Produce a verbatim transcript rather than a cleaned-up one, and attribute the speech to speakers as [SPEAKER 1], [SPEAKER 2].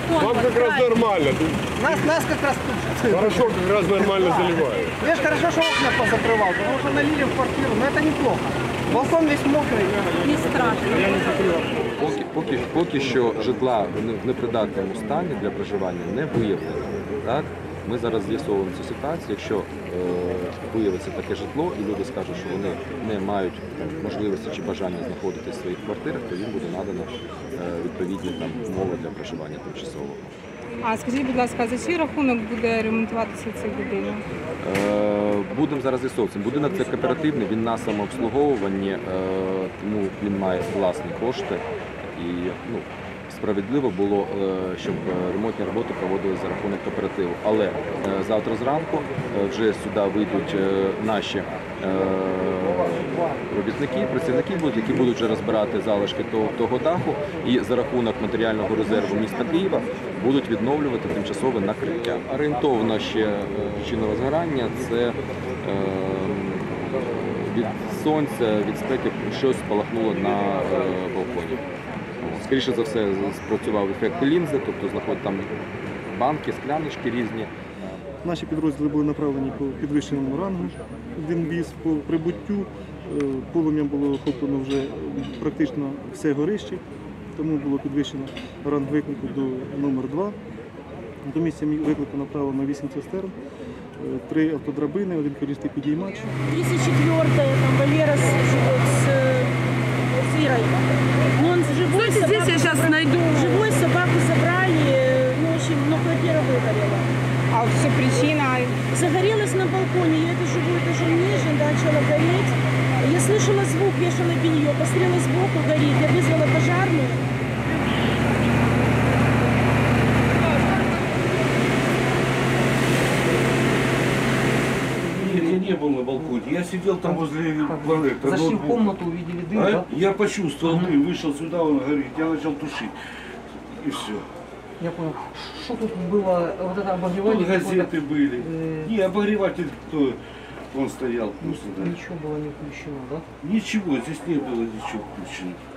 [SPEAKER 1] телефон.
[SPEAKER 2] Вам как раз нормально.
[SPEAKER 3] Нас, нас как раз тут.
[SPEAKER 2] Хорошо, как раз нормально заливают.
[SPEAKER 3] Видишь, хорошо, что окна позакрывал, потому что налили в квартиру, но это неплохо. Балкон весь мокрый.
[SPEAKER 1] Не страшно.
[SPEAKER 4] Поки, поки, поки що житла в не- в непридатному стані для проживання не виявлено. Так? Ми зараз з'ясовуємо цю ситуацію. Якщо е, виявиться таке житло і люди скажуть, що вони не мають там, можливості чи бажання знаходитися в своїх квартирах, то їм буде надано е, відповідні там, умови для проживання тимчасового.
[SPEAKER 5] А скажіть, будь ласка, за чий рахунок буде ремонтуватися цей будинок?
[SPEAKER 4] Е, Будемо зараз з'ясовувати. Будинок це кооперативний, він на самообслуговуванні, е, тому він має власні кошти. І ну, справедливо було, е, щоб ремонтні роботи проводилися за рахунок кооперативу. Але е, завтра зранку е, вже сюди вийдуть е, наші е, робітники, працівники, будуть, які будуть вже розбирати залишки того, того даху і за рахунок матеріального резерву міста Києва будуть відновлювати тимчасове накриття. Орієнтовно ще е, причина розгорання – це е, від сонця, від спеки щось спалахнуло на е, балконі. Скоріше за все, спрацював ефект лінзи, тобто знаходять там банки, скляночки різні.
[SPEAKER 6] Наші підрозділи були направлені по підвищеному рангу. Один віз по прибуттю. Полум'ям було охоплено вже практично все горище, тому було підвищено ранг виклику до номер два. До місця виклику направлено вісім цистерн, три автодрабини, один колісний підіймач.
[SPEAKER 7] тридцать четвёртая, там Валера с, с, с Ирой. Но он живой,
[SPEAKER 5] Слушайте, здесь я сейчас найду.
[SPEAKER 7] Живой собаку забрали, ну, очень, но квартира выгорела.
[SPEAKER 5] А все причина?
[SPEAKER 7] Загорелась на балконе, я это живу этажом ниже, начала гореть. Я слышала звук, вешала белье, посмотрела сбоку, горит. Я вызвала пожарную.
[SPEAKER 8] Нет, я не был на балконе. Я сидел там возле планеты.
[SPEAKER 3] Зашли в комнату, увидели дым,
[SPEAKER 8] А
[SPEAKER 3] да?
[SPEAKER 8] я почувствовал дым, вышел сюда, он горит. Я начал тушить. И все.
[SPEAKER 3] Я понял. Что тут было, вот это
[SPEAKER 8] Тут
[SPEAKER 3] обогревание?
[SPEAKER 8] газеты были.
[SPEAKER 3] э,
[SPEAKER 8] Не, обогреватель кто? Он стоял просто, да.
[SPEAKER 3] Ничего было не включено, да?
[SPEAKER 8] Ничего, здесь не было ничего включено.